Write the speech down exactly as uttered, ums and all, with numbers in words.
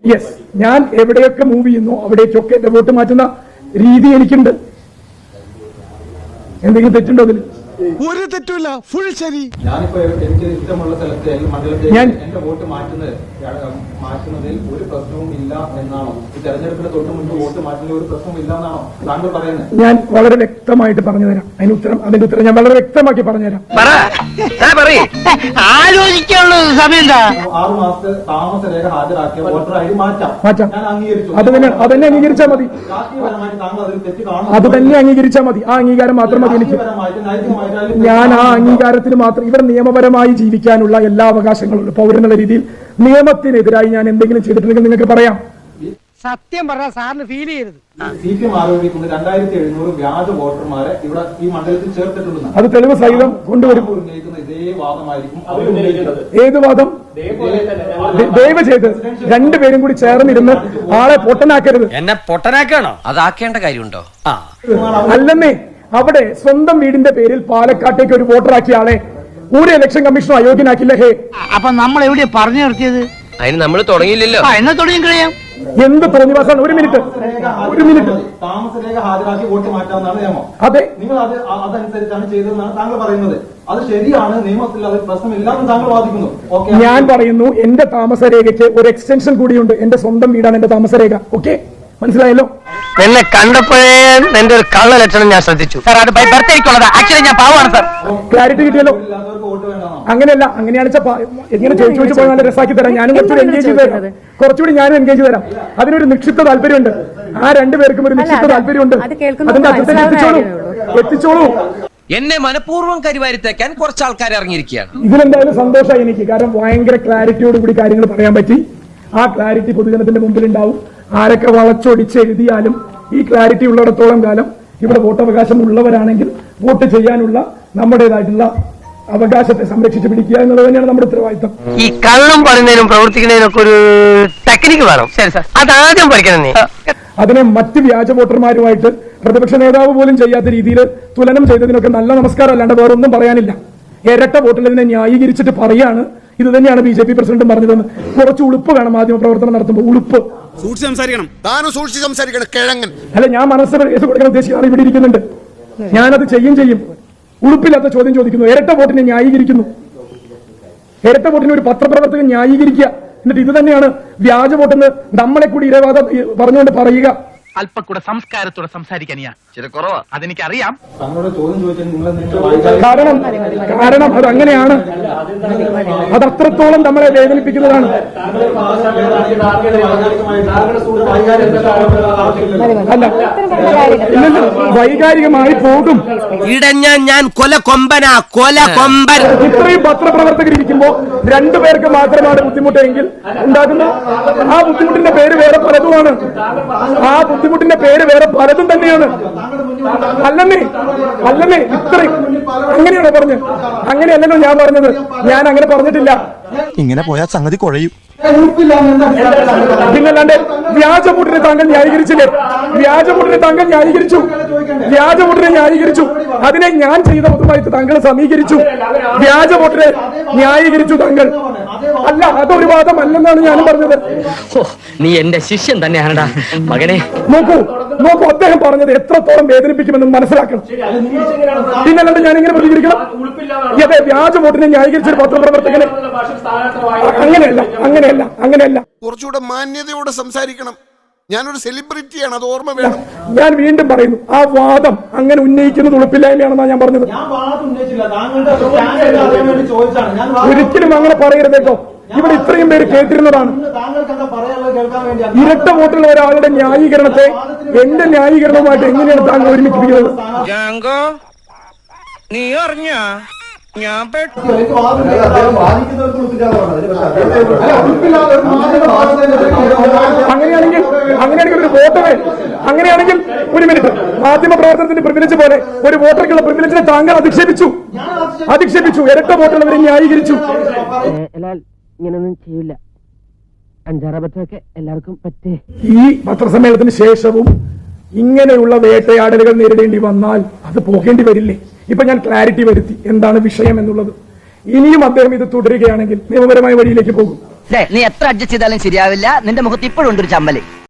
Yes, ഞാൻ എവിടെയൊക്കെ move ചെയ്യുന്നു അവിടേക്കൊക്കെ എന്റെ വോട്ട് മാറ്റുന്ന രീതി എനിക്കുണ്ട്. എന്തെങ്കിലും തെറ്റുണ്ടോ അതിൽ? ഒരു തെറ്റുമില്ല, ഫുൾ ശരി. ഞാനിപ്പോ എനിക്ക് ഇഷ്ടമുള്ള സ്ഥലത്ത് മണ്ഡലത്തിൽ എന്റെ വോട്ട് മാറ്റുന്നത് മാറ്റുന്നതിൽ ഒരു പ്രശ്നവും ഇല്ല എന്നാണോ? ഈ തെരഞ്ഞെടുപ്പിന് തൊട്ട് മുൻപ് വോട്ട് മാറ്റുന്നതിൽ ഒരു പ്രശ്നവും ഇല്ല എന്നാണോ താങ്കൾ പറയുന്നത്? ഞാൻ വളരെ വ്യക്തമായിട്ട് പറഞ്ഞുതരാം. അതിന് ഉത്തരം അതിന്റെ ഉത്തരം ഞാൻ വളരെ വ്യക്തമാക്കി പറഞ്ഞുതരാം. ആലോചിക്കാനുള്ള സമയം ആറു മാസത്തെ താമസ രേഖ ഹാജരാക്കിയ വോട്ടർ ഐ ഡി മാറ്റാം മാറ്റാം ഞാൻ അംഗീകരിച്ചു. അത് തന്നെ അത് തന്നെ അംഗീകരിച്ചാൽ മതി. രാഷ്ട്രീയപരമായിട്ട് താങ്കൾ അതിൽ തെറ്റ് കാണുന്നു. അത് തന്നെ അംഗീകരിച്ചാൽ മതി. ആ അംഗീകാരം മാത്രം മതി എനിക്ക്. ഞാൻ ആ അംഗീകാരത്തിന് മാത്രം ഇവർ നിയമപരമായി ജീവിക്കാനുള്ള എല്ലാ അവകാശങ്ങളും പൗരനുള്ള രീതിയിൽ നിയമത്തിനെതിരായി ഞാൻ എന്തെങ്കിലും ചെയ്തിട്ടുണ്ടെങ്കിൽ നിങ്ങൾക്ക് പറയാം. സത്യം പറഞ്ഞാൽ സാറിന് ഫീൽ ചെയ്യരുത്. സി പി എം ആരോപിക്കുന്നത് രണ്ടായിരത്തി എഴുന്നൂറ് വ്യാജ വോട്ടർമാരെ ഇവിടെ ഈ മണ്ഡലത്തിൽ ചേർത്തിട്ടുണ്ടെന്ന്. അത് തെളിവ് സഹിതം കൊണ്ടുവരും. ഉന്നയിക്കുന്ന ഇതേ വാദമായിരിക്കും അവർ ഉന്നയിക്കുന്നത്. ഏത് വാദം? ദയവ് ചെയ്ത് രണ്ടുപേരും കൂടി ചേർന്നിരുന്ന് ആളെ പൊട്ടനാക്കരുത്. എന്നെ പൊട്ടനാക്കണോ? അതാക്കേണ്ട കാര്യമുണ്ടോ? അല്ലെന്നേ, അവിടെ സ്വന്തം വീടിന്റെ പേരിൽ പാലക്കാട്ടേക്ക് ഒരു വോട്ടറാക്കിയ ആളെ ഒരു ഇലക്ഷൻ കമ്മീഷണർ അയോഗ്യനാക്കില്ല. ഹേ, അപ്പൊ നമ്മൾ എവിടെയാ പറഞ്ഞു നിർത്തിയത്? അതിന് നമ്മൾ തുടങ്ങിയില്ലല്ലോ. എന്നാ തുടങ്ങി കഴിയാം. എന്ത് തോന്നിവാസാണ്? ഒരു മിനിറ്റ് ഒരു മിനിറ്റ് താമസരേഖ ഹാജരാക്കി വോട്ട് മാറ്റാവുന്നതാണ് നിയമം. അതെ, നിങ്ങൾ അത് അതനുസരിച്ചാണ് ചെയ്തതെന്നാണ് താങ്കൾ പറയുന്നത്. അത് ശരിയാണ്, നിയമത്തിൽ അത് പ്രശ്നമില്ലാന്ന് താങ്കൾ വാദിക്കുന്നു. ഓക്കെ, ഞാൻ പറയുന്നു എന്റെ താമസരേഖയ്ക്ക് ഒരു എക്സ്റ്റൻഷൻ കൂടിയുണ്ട്. എന്റെ സ്വന്തം വീടാണ് എന്റെ താമസരേഖ. ഓക്കെ, മനസ്സിലായല്ലോ? എന്നെ കണ്ടപ്പോഴേ എന്റെ ഒരു കള്ള ലക്ഷണം ഞാൻ ശ്രദ്ധിച്ചു. സാർ അത് ബൈ ബർത്തേക്കുള്ളതാ. ആക്ച്വലി ഞാൻ പാവമാണ് സാർ. ക്ലാരിറ്റി കിട്ടിയല്ലോ? വോട്ട് വേണ്ടാണോ? അങ്ങനെയല്ല, അങ്ങനെയാണ് എങ്ങനെ ചോദിച്ചു ചോദിച്ചു പോയി നല്ല രസാക്കി തരാം. ഞാനും കുറച്ചുകൂടി എൻഗേജ് ചെയ്ത് തരാം. കുറച്ചുകൂടി ഞാനും എൻഗേജ് തരാം. അതിനൊരു നിക്ഷിപ്ത താല്പര്യമുണ്ട്. ആ രണ്ടുപേർക്കും ഒരു നിക്ഷിപ്ത താല്പര്യമുണ്ട്. അതിന്റെ അർത്ഥത്തിൽ എത്തിച്ചോളൂ എത്തിച്ചോളൂ എന്നെ മനഃപൂർവ്വം കരിവാരിത്തേക്കാൻ കുറച്ച് ആൾക്കാർ ഇറങ്ങിയിരിക്കുകയാണ്. ഇതിലെന്തായാലും സന്തോഷമായി എനിക്ക്. കാരണം ഭയങ്കര ക്ലാരിറ്റിയോട് കൂടി കാര്യങ്ങൾ പറയാൻ പറ്റി. ആ ക്ലാരിറ്റി പൊതുജനത്തിന്റെ മുമ്പിൽ ഉണ്ടാവും. ആരൊക്കെ വളച്ചൊടിച്ച് എഴുതിയാലും ഈ ക്ലാരിറ്റി ഉള്ളിടത്തോളം കാലം ഇവിടെ വോട്ടവകാശം ഉള്ളവരാണെങ്കിൽ വോട്ട് ചെയ്യാനുള്ള നമ്മുടേതായിട്ടുള്ള അവകാശത്തെ സംരക്ഷിച്ചു പിടിക്കുക എന്നുള്ളത് തന്നെയാണ് നമ്മുടെ ഉത്തരവാദിത്തം. ഈ കള്ളം പറയുന്നതിനും പ്രവർത്തിക്കുന്നതിനും ഒക്കെ ഒരു ടെക്നിക്ക് വേണം. ശരി സാർ, അതാദ്യം പഠിക്കണം. അതിനെ മറ്റ് വ്യാജ വോട്ടർമാരുമായിട്ട് പ്രതിപക്ഷ നേതാവ് പോലും ചെയ്യാത്ത രീതിയിൽ തുലനം ചെയ്തതിനൊക്കെ നല്ല നമസ്കാരം അല്ലാണ്ട് വേറൊന്നും പറയാനില്ല. ഇരട്ട വോട്ടുള്ളതിനെ ന്യായീകരിച്ചിട്ട് പറയാണ് ഇത് തന്നെയാണ് ബി ജെ പി പ്രസിഡന്റും പറഞ്ഞതെന്ന്. കുറച്ച് ഉളുപ്പ് വേണം മാധ്യമ പ്രവർത്തനം നടത്തുമ്പോൾ. ഉളുപ്പ് സൂക്ഷിച്ച് സംസാരിക്കണം. താനും സൂക്ഷിച്ച് സംസാരിക്കണം. കിഴങ്ങൻ അല്ല, ഞാൻ മനസ്സിൽ കേസ് കൊടുക്കാൻ ഉദ്ദേശിക്കുന്ന ആൾ ഇവിടെ ഇരിക്കുന്നുണ്ട്. ഞാനത് ചെയ്യും ചെയ്യും. ഉളുപ്പില്ലാത്ത ചോദ്യം ചോദിക്കുന്നു. ഇരട്ട വോട്ടിനെ ന്യായീകരിക്കുന്നു. ഇരട്ട വോട്ടിനെ ഒരു പത്രപ്രവർത്തകൻ ന്യായീകരിക്കുക. എന്നിട്ട് ഇത് തന്നെയാണ് വ്യാജ വോട്ടെന്ന് നമ്മളെ കൂടി ഇരവാദം പറഞ്ഞുകൊണ്ട് പറയുക. അല്പക്കൂടെ സംസ്കാരത്തോടെ സംസാരിക്കാൻ ചില കുറവാ, അതെനിക്കറിയാം. കാരണം കാരണം അത് അങ്ങനെയാണ്. അത് അത്രത്തോളം നമ്മളെ വേദനിപ്പിക്കുന്നതാണ്. അല്ല, ഇല്ലല്ലോ, വൈകാരികമായി പോകും. ഇടഞ്ഞ ഞാൻ കൊല കൊമ്പനാ, കൊല കൊമ്പൻ. ഇത്രയും പത്രപ്രവർത്തകരിരിക്കുമ്പോ രണ്ടുപേർക്ക് മാത്രമാണ് ബുദ്ധിമുട്ടെങ്കിൽ ഉണ്ടാകുന്ന ആ ബുദ്ധിമുട്ടിന്റെ പേര് വേറെ പലതുമാണ്. ആ ബുദ്ധിമുട്ടിന്റെ പേര് വേറെ പലതും തന്നെയാണ്. അല്ലെന്നേ അല്ലെന്നേ ഇത്രയും അങ്ങനെയാണോ പറഞ്ഞത്? അങ്ങനെയല്ലല്ലോ ഞാൻ പറഞ്ഞത്. ഞാൻ അങ്ങനെ പറഞ്ഞിട്ടില്ല. ഇങ്ങനെ പോയാൽ സംഗതി കുഴയും. പിന്നല്ലാണ്ട് വ്യാജവോട്ടിനെ താങ്കൾ ന്യായീകരിച്ചില്ലേ? വ്യാജവോട്ടിനെ താങ്കൾ ന്യായീകരിച്ചു. വ്യാജവോട്ടിനെ ന്യായീകരിച്ചു. അതിനെ ഞാൻ ചെയ്ത പൊതുവായിട്ട് താങ്കൾ സമീകരിച്ചു. വ്യാജവോട്ടിനെ ന്യായീകരിച്ചു താങ്കൾ. അല്ല, അതൊരു വാദം അല്ലെന്നാണ് ഞാനും പറഞ്ഞത്. നീ എന്റെ ശിഷ്യൻ തന്നെയാണടാ മകനെ. നോക്കൂ നോക്കൂ അദ്ദേഹം പറഞ്ഞത് എത്രത്തോളം വേദനിപ്പിക്കുമെന്ന് മനസ്സിലാക്കണം. പിന്നല്ലാണ്ട് ഞാൻ എങ്ങനെ പ്രതികരിക്കണം? അതെ, വ്യാജവോട്ടിനെ ന്യായീകരിച്ചൊരു പത്രപ്രവർത്തകനെ അങ്ങനെയല്ല അങ്ങനെയല്ല അങ്ങനെയല്ല കുറച്ചുകൂടെ മാന്യതയോടെ സംസാരിക്കണം. ഞാനൊരു സെലിബ്രിറ്റിയാണ്, അത് ഓർമ്മ വേണം. ഞാൻ വീണ്ടും പറയുന്നു, ആ വാദം അങ്ങനെ ഉന്നയിക്കുന്നത് ഉളുപ്പില്ലായ്മയാണെന്നാണ് ഞാൻ പറഞ്ഞത്. ഒരിക്കലും അങ്ങനെ പറയരുതേക്കോ. ഇവിടെ ഇത്രയും പേര് കേട്ടിരുന്നതാണ്. ഇരട്ട വോട്ടുള്ള ഒരാളുടെ ന്യായീകരണത്തെ എന്റെ ന്യായീകരണവുമായിട്ട് എങ്ങനെയാണ് താങ്കൾ ഒരുമിപ്പിക്കുന്നത്? നീ അറിഞ്ഞ ഞാൻ അങ്ങനെയാണെങ്കിൽ അങ്ങനെയാണെങ്കിൽ ഒരു വോട്ടറെ അങ്ങനെയാണെങ്കിൽ ഒരു മിനിറ്റ് മാധ്യമ പ്രവർത്തനത്തിന്റെ പ്രിവിലേജ് പോലെ ഒരു വോട്ടർക്കുള്ള പ്രിവിലേജിനെ താങ്കൾ അധിക്ഷേപിച്ചു അധിക്ഷേപിച്ചു ഇരട്ട വോട്ടുള്ളവരെ ന്യായീകരിച്ചു. ഇങ്ങനൊന്നും ചെയ്യില്ല. അഞ്ചാറബദ്ധമൊക്കെ എല്ലാവർക്കും പറ്റേ. ഈ പത്രസമ്മേളനത്തിന് ശേഷവും ഇങ്ങനെയുള്ള വേട്ടയാടലുകൾ നേരിടേണ്ടി വന്നാൽ അത് പോകേണ്ടി വരില്ലേ? ഇപ്പൊ ഞാൻ ക്ലാരിറ്റി വരുത്തി എന്താണ് വിഷയം എന്നുള്ളത്. ഇനിയും അദ്ദേഹം ഇത് തുടരുകയാണെങ്കിൽ നിയമപരമായ വഴിയിലേക്ക് പോകും. നീ എത്ര അഡ്ജസ്റ്റ് ചെയ്താലും ശരിയാവില്ല. നിന്റെ മുഖത്ത് ഇപ്പോഴും ഉണ്ട് ഒരു ചമ്മല്.